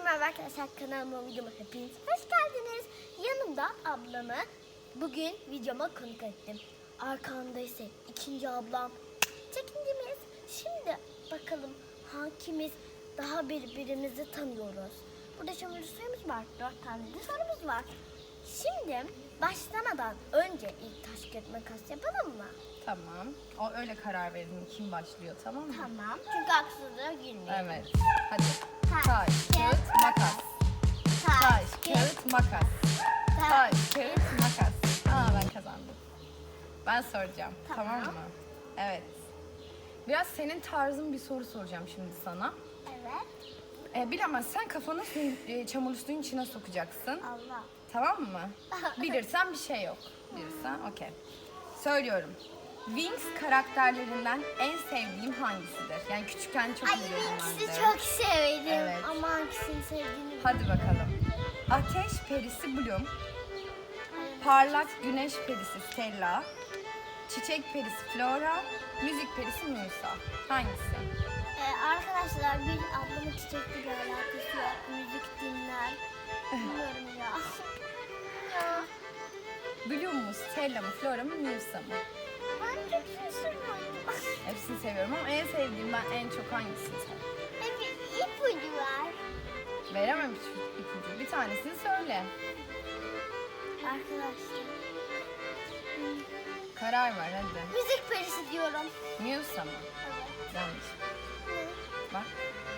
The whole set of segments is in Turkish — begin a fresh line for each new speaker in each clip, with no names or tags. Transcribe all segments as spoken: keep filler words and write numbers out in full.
merhaba arkadaşlar, kanalıma videoma hepiniz hoş geldiniz. Yanımda ablamı bugün videoma konuk ettim. Arkamda ise ikinci ablam, çekincimiz. Şimdi bakalım hangimiz daha birbirimizi tanıyoruz. Burada çamurlu suyumuz var, dört tane de sorumuz var. Şimdi başlamadan önce ilk taş kağıt makas yapalım mı?
Tamam. O öyle karar verin kim başlıyor, tamam mı?
Tamam. Çünkü haksızlığa girmeyelim.
Evet. Hadi.
Taş,
Taş, kağıt, makas. Taş, kağıt, makas. Taş, kağıt, makas. Aa, ben kazandım. Ben soracağım.
Tamam.
Tamam mı? Evet. Biraz senin tarzın bir soru soracağım şimdi sana.
Evet.
Ee, bilemezsen kafanı suyun, e, çamurlu suyun içine sokacaksın.
Allah.
Tamam mı? Bilirsen bir şey yok. Bilirsen okey. Söylüyorum. Wings karakterlerinden en sevdiğim hangisidir? Yani küçükken çok
Ay,
izliyordum ben de.
ikisi çok sevdim.
Evet.
Ama hangisini sevdiğini
Hadi bakalım. Ateş perisi Bloom, parlak güneş perisi Stella, çiçek perisi Flora, müzik perisi Musa. Hangisi?
Ee, arkadaşlar bir ablamın çiçekli bir alakası yok. Müzik dinler. Bilmiyorum ya. ya.
Bloom mu, Stella mı, Flora mı, Musa mı?
Ben çok şaşırmadım.
Hepsini seviyorum ama en sevdiğim ben en çok hangisini seviyorum?
Hep ipucu var.
Veremem hiç ipucu. Bir tanesini söyle.
Arkadaşlar. hmm,
Karar ver hadi.
Müzik perisi diyorum.
Musa mı?
Evet.
Yanlış.
Ne?
Bak.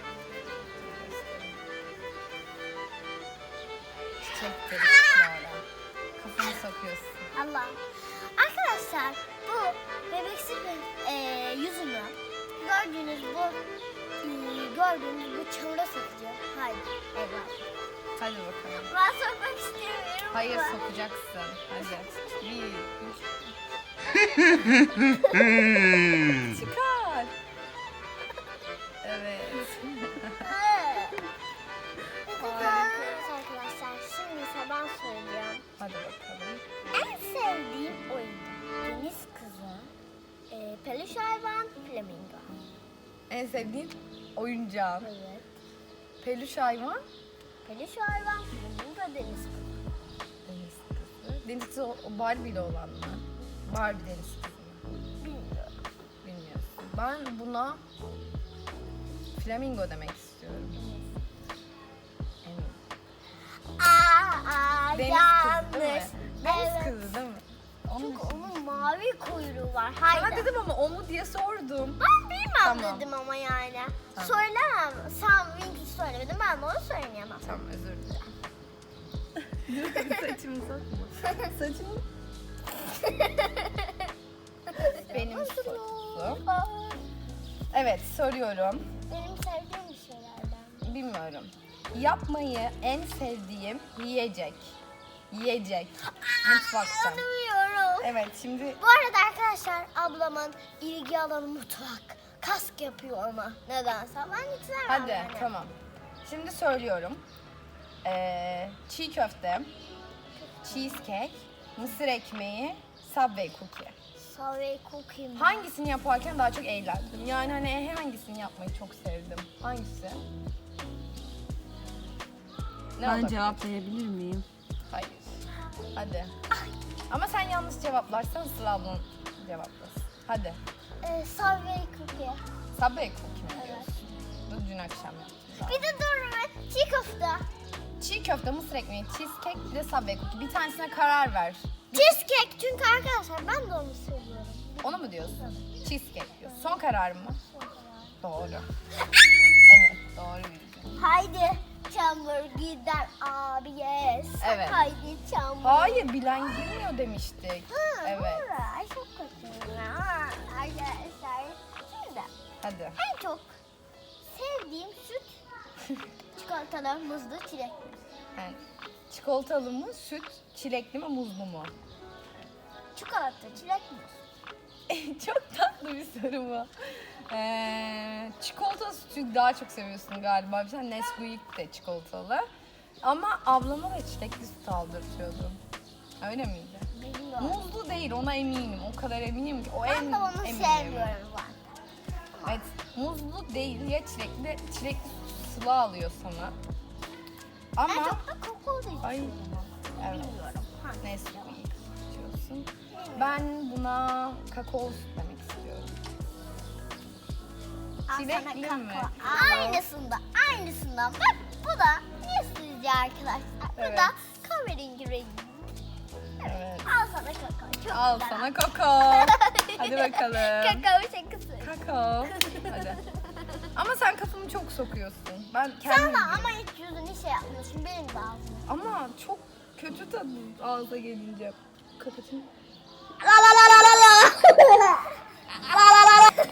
Çiçek perisi Flora. Kafanı sokuyorsun.
Allah. Arkadaşlar bu bebeksi bir e, yüzünü gördüğünüz bu e, gördüğünüz bu çamura sokacağım. Haydi. Evet.
Hadi bakalım.
Ben sokmak istemiyorum.
Hayır
ama.
sokacaksın. Hadi. Bir, üç. Çıkar. Evet.
Evet arkadaşlar, şimdi ise ben söyleyeceğim.
Hadi bakalım.
En sevdiğim oyun deniz kızı, e, peluş hayvan, flamingo.
En sevdiğin oyuncağın.
Evet.
Peluş hayvan.
Peluş hayvan, flamingo, deniz kızı.
Deniz kızı. Deniz kızı o o Barbie'li olan mı? Barbie deniz kızı mı?
Bilmiyorum.
Bilmiyorsun. Ben buna flamingo demek istiyorum. Eminim.
Aa, aa,
Deniz
yanlış.
kızı değil mi? Deniz
Evet.
kızı değil mi? Onun
Çünkü onun mavi kuyruğu var. Haydi.
Sana dedim ama o mu diye sordum.
Ben bilmem
Tamam.
dedim ama yani.
Tamam.
Söylemem. Sen Winky söylemedin, ben de onu söyleyemem.
Tamam özür dilerim. Saçımı sokma. Saçımı. Benim sorum. Evet soruyorum.
Benim sevdiğim bir şeylerden.
Bilmiyorum. Yapmayı en sevdiğim yiyecek. Yiyecek. Mutfakta.
Anlamıyorum.
Evet şimdi
Bu arada arkadaşlar ablamın ilgi alanı mutfak. Kask yapıyor ama nedense. Ben hiç sevmem
hadi
yani.
tamam. Şimdi söylüyorum. Ee, çiğ köfte, cheesecake, mısır ekmeği, Subway cookie.
Subway cookie mi?
Hangisini yaparken daha çok eğlendim? Yani hani hangisini yapmayı çok sevdim? Hangisi? Ne
Ben
olabilir?
cevaplayabilir miyim?
Hayır. Hadi. Ama sen yanlış cevaplarsan Sıla ablan cevaplasın. Hadi.
Ee, Subway cookie.
Subway cookie mi
Evet.
diyorsun? Bu dün akşam yaptım zaten.
Bir de dur be. Çiğ köfte.
Çiğ köfte, mısır ekmeği, cheesecake, bir de Subway cookie. Bir tanesine karar ver.
Cheesecake çünkü arkadaşlar ben de onu seviyorum.
Onu mu diyorsun? Cheesecake diyorsun. Son kararın mı? Doğru. Evet, doğru bildin.
Haydi çamur gider abi yes.
Evet.
Haydi çamur.
Hayır, bilen girmiyor demiştik.
Ha,
Evet.
doğru. Ay çok kötü ya. Arkadaşlar şimdi
Hadi.
en çok sevdiğim süt çikolatalı, muzlu, çilekli.
Yani, çikolatalı mı, süt, çilekli mi, muzlu mu?
Çikolata, çilek, muz.
Çok tatlı bir soru bu. Ee, çikolata sütü daha çok seviyorsun galiba. Bir tane Nesquik de çikolatalı. Ama ablama da çilekli süt aldırtıyordum. Öyle miydi?
Bilmiyorum.
Muzlu değil, ona eminim. O kadar eminim ki. O
Ben
en
de onu
eminim.
sevmiyorum zaten.
Evet, muzlu değil ya çilekli. Çilekli Sıla alıyor sana.
En
Ama
çok da kakao da
ay
içiyorum.
evet.
Bilmiyorum. Ha.
Neyse içiyorsun. Ben buna kakao süt demek istiyorum.
Al
Çilekli
sana
mi?
kakao.
Aa.
Aynısından, aynısından. Bak bu da ne sizce arkadaşlar? Bu
Evet.
da kahverengi rengi.
Evet.
Al sana kakao. Çok
Al
güzel.
sana kakao. Hadi bakalım.
Kakao şakası.
Kakao. Hadi. Ama sen kafamı çok sokuyorsun. Ben
Sen
kendim
de ama hiç yüzünü şey yapmıyorsun. Benim de ağzım.
Ama çok kötü tadı ağza gelince. Kapatayım.
La la la la la la. La la la la.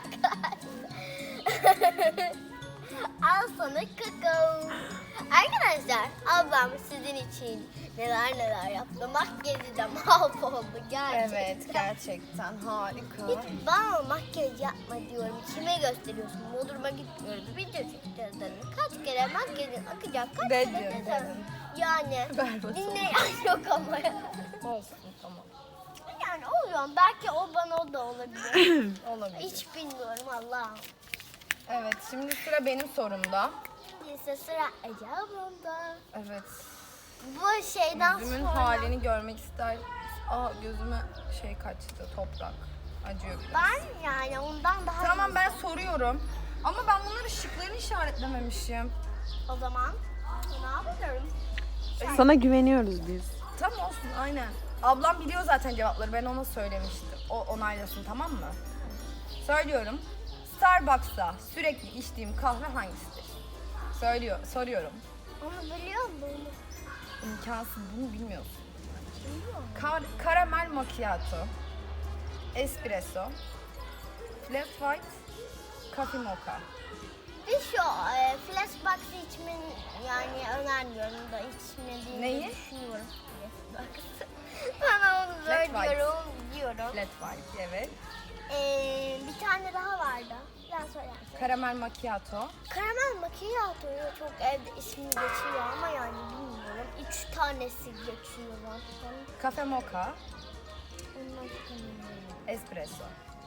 Al sana kakao. Arkadaşlar ablam sizin için neler neler yaptı. Makyajı da mahvoldu gerçekten.
Evet gerçekten harika.
Hiç bana makyaj yapma diyorum. Kime gösteriyorsun? Bodrum'a gitmiyoruz. Video çekeceğiz dedim. Kaç kere makyajın akacak? Kaç
Ne
kere
diyorsun
dedim.
dedim.
Yani
Ver bakalım.
dinleyen yok ama.
Olsun tamam.
Yani oluyor. Belki o bana o da olabilir.
Olabilir.
Hiç bilmiyorum Allah'ım.
Evet şimdi sıra benim sorumda.
Neyse sıra Ece ablamda.
Evet.
Bu şeyden
Gözümün
sonra
halini görmek ister. Aa gözüme şey kaçtı toprak. Acıyor biraz.
ben yani ondan daha
Tamam
iyi-
ben soruyorum. Ama ben bunları şıklarını işaretlememişim.
O zaman ne yapıyorum?
Sana güveniyoruz biz.
Tamam olsun aynen. Ablam biliyor zaten cevapları. Ben ona söylemiştim. O onaylasın tamam mı? Söylüyorum. Starbucks'ta sürekli içtiğim kahve hangisidir? Söylüyor, soruyorum.
Onu biliyor musun?
İmkansız bunu bilmiyorsun.
Biliyor musun?
Kar karamel macchiato, espresso, flat white, coffee mocha.
Biz şu e, flashbox'ı içmeni yani önermiyorum da içmediğini
Neyi?
düşünüyorum. Flashbox'ı. Bana onu
Flat white.
söylüyorum, diyorum.
Flat white evet.
E, bir tane daha vardı. Ben söylersin.
Karamel macchiato,
Karamel macchiato'yu çok evde ismi geçiyor ama yani bilmiyorum. Üç tanesi geçiyor zaten.
cafe mocha,
Ondan sonra-
espresso.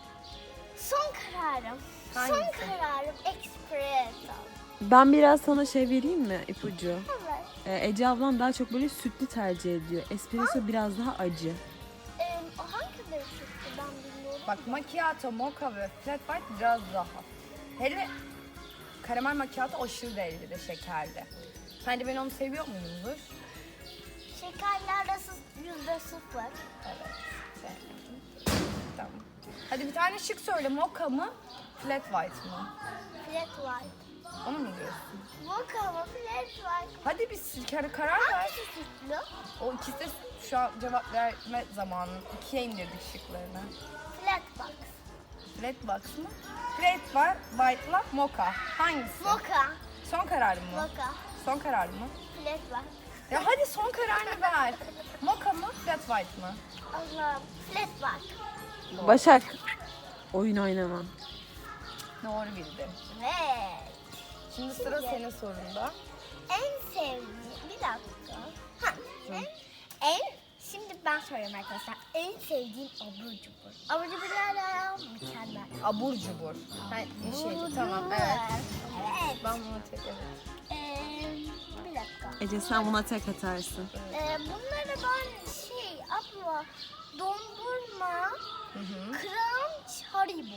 Son kararım. Son
Hangisi?
kararım espresso.
Ben biraz sana şey vereyim mi ipucu?
Evet.
Ee, Ece ablam daha çok böyle sütlü tercih ediyor. Espresso biraz daha acı.
Ee, o hangileri çıktı ben bilmiyorum.
Bak macchiato, mocha ve flat white biraz daha. Hele karamel macchiato aşırı derecede şekerli. Sen de ben onu seviyor muydundur?
Şekerli arası yüzde sıfır.
Evet. Sevmedim. Tamam. Hadi bir tane şık söyle. Mocha mı? Flat white mı?
Flat white.
Onu mu diyorsun?
Mocha mı flat white?
Hadi bir kere karar ver.
Hangisi sütlü?
O ikisi de şu an cevap verme zamanı. İkiye indirdik şıklarını.
Flat box.
Flat box mı? Flat var, white'la mocha. Hangisi?
Mocha.
Son kararın mı?
Mocha.
Son kararın mı?
Flat white.
Ya hadi son kararını ver. Mocha mı? Flat white mı?
Allah'ım. Flat white.
Başak. Oyun oynamam.
Doğru bildin.
Evet.
Şimdi sıra senin sorunda.
En sevdiğim bir dakika. Ha, en, en şimdi ben soruyorum arkadaşlar. En sevdiğim abur cubur. Abur cuburlar mükemmel.
Abur cubur. Ha, şey,
Abur
tamam
cubur.
evet.
Evet.
Ben bunu tek evet.
Ee, bir dakika.
Ece sen buna tek atarsın.
Ee, bunları ben şey abla dondurma,
Hı hı.
crunch, haribo.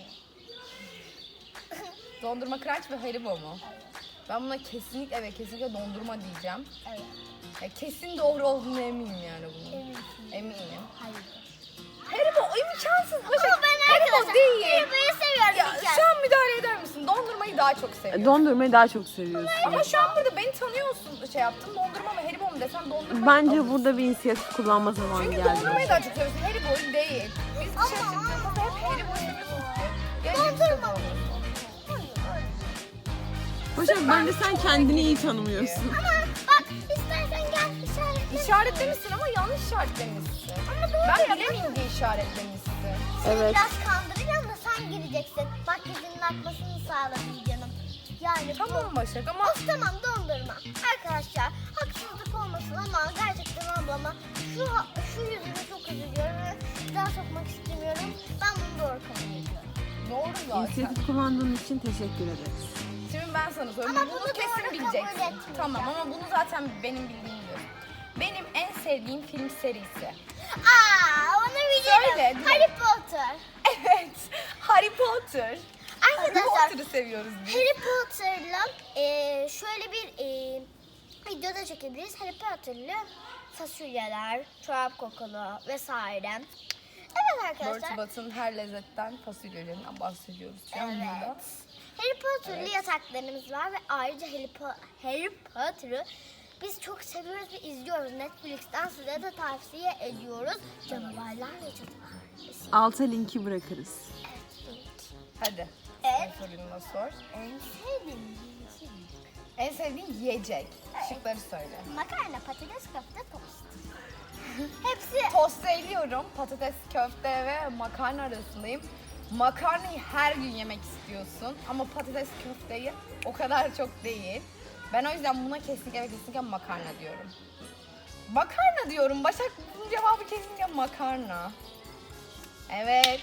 Dondurma crunch ve haribo mu? Ben buna kesinlikle ve kesinlikle dondurma diyeceğim.
Evet.
Ya kesin doğru olduğunu eminim yani bunun.
Eminsin.
Eminim.
Haribo.
Haribo imkansız. Başak.
Ama ben
Haribo
arkadaşlar
değil.
hariboyu seviyorum.
Ya
bir kere.
şu an müdahale eder misin? Dondurmayı daha çok seviyorum.
Dondurmayı daha çok seviyorsun.
Ama şu an burada beni tanıyorsun şey yaptın. Dondurma mı Haribo mu desen dondurma.
Bence burada bir inisiyatif kullanma zamanı
Çünkü
geldi.
dondurmayı daha çok seviyorsun. Haribo'yu değil. Biz dışarı çıktığımızda hep Haribo seviyorsun. Ya dondurma.
Hayır, hayır.
Başak bence sen kendini iyi tanımıyorsun.
Ama bak istersen gel işaretle.
İşaretlemişsin ama yanlış işaretlemişsin.
Ama doğru
Ben
yapma.
bilemeyeyim diye işaretlemişsin.
Evet.
Biraz kandıracağım da sen gireceksin. Makyajının akmasını sağladın canım. Yani
Tamam Başak ama
Of tamam dondurma. Arkadaşlar haksızlık olmasın ama gerçekten ablama şu şu yüzüme çok üzülüyorum ve bir daha sokmak istemiyorum. Ben bunu doğru kabul ediyorum.
doğru zaten.
İnisiyatif kullandığın için teşekkür ederiz.
Şimdi ben sana soruyorum.
Ama
bunu,
bunu
kesin
doğru kabul
bileceksin.
etmeyeceğim.
Tamam ama bunu zaten benim bildiğim biliyorsun. Benim en sevdiğim film serisi.
Aa, onu bilirim.
Söyle,
Harry Potter.
Evet. Harry Potter. Harry
Arkadaşlar
Potter'ı seviyoruz biz.
Harry Potter'la e, şöyle bir e, video da çekebiliriz. Harry Potter'lı fasulyeler, çorap kokulu vesaire. Evet arkadaşlar.
Bertie Bott'un her lezzetten fasulyelerinden bahsediyoruz şu an burada.
Evet. Harry Potter'lı
Evet.
yataklarımız var ve ayrıca Harry, Po- Harry Potter'ı biz çok seviyoruz ve izliyoruz. Netflix'ten size de tavsiye ediyoruz. Canavarlar ve cadılar.
Alta linki bırakırız.
Evet.
Hadi.
Evet.
Sen sorunu da sor.
En sevdiğim şey.
En sevdiğin yiyecek. Şıkları söyle.
Makarna, patates, köfte, tost. Hepsi
Tost eliyorum. Patates, köfte ve makarna arasındayım. Makarnayı her gün yemek istiyorsun ama patates köfteyi o kadar çok değil. Ben o yüzden buna kesinlikle ve kesinlikle makarna diyorum. Makarna diyorum. Başak bunun cevabı kesinlikle makarna. Evet.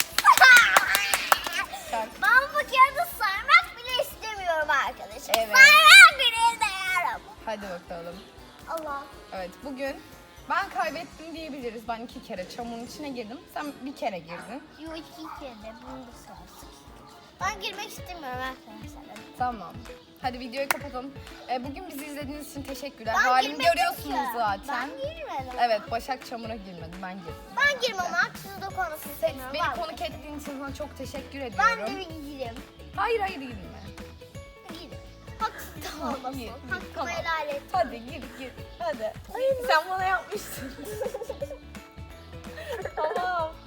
Şak.
ben bu kağıdı sarmak bile istemiyorum arkadaşım.
Evet.
Sarmak bile istemiyorum.
Hadi bakalım.
Allah.
Evet bugün ben kaybettim diyebiliriz. Ben iki kere çamurun içine girdim. Sen bir kere girdin.
Yo iki kere de bunu da sarsın. Ben girmek istemiyorum arkadaşlar.
Tamam. Hadi videoyu kapatalım. Ee, bugün bizi izlediğiniz için teşekkürler.
Ben
Halimi
girmedim
görüyorsunuz
ki.
zaten.
Ben girmedim.
Evet Başak çamura girmedi. Ben girdim.
Ben girmem haksız da konuşmak
Sen,
istemiyorum.
beni
Ben-
konuk ettiğin için sana çok teşekkür
Ben
ediyorum.
de bir gireyim.
Hayır hayır girme.
Gireyim. Haksız da
Tamam,
olmasın.
gir, gir,
Hakkımı
tamam.
helal et.
Hadi gir gir. Hadi. Sen bana yapmıştın. Tamam.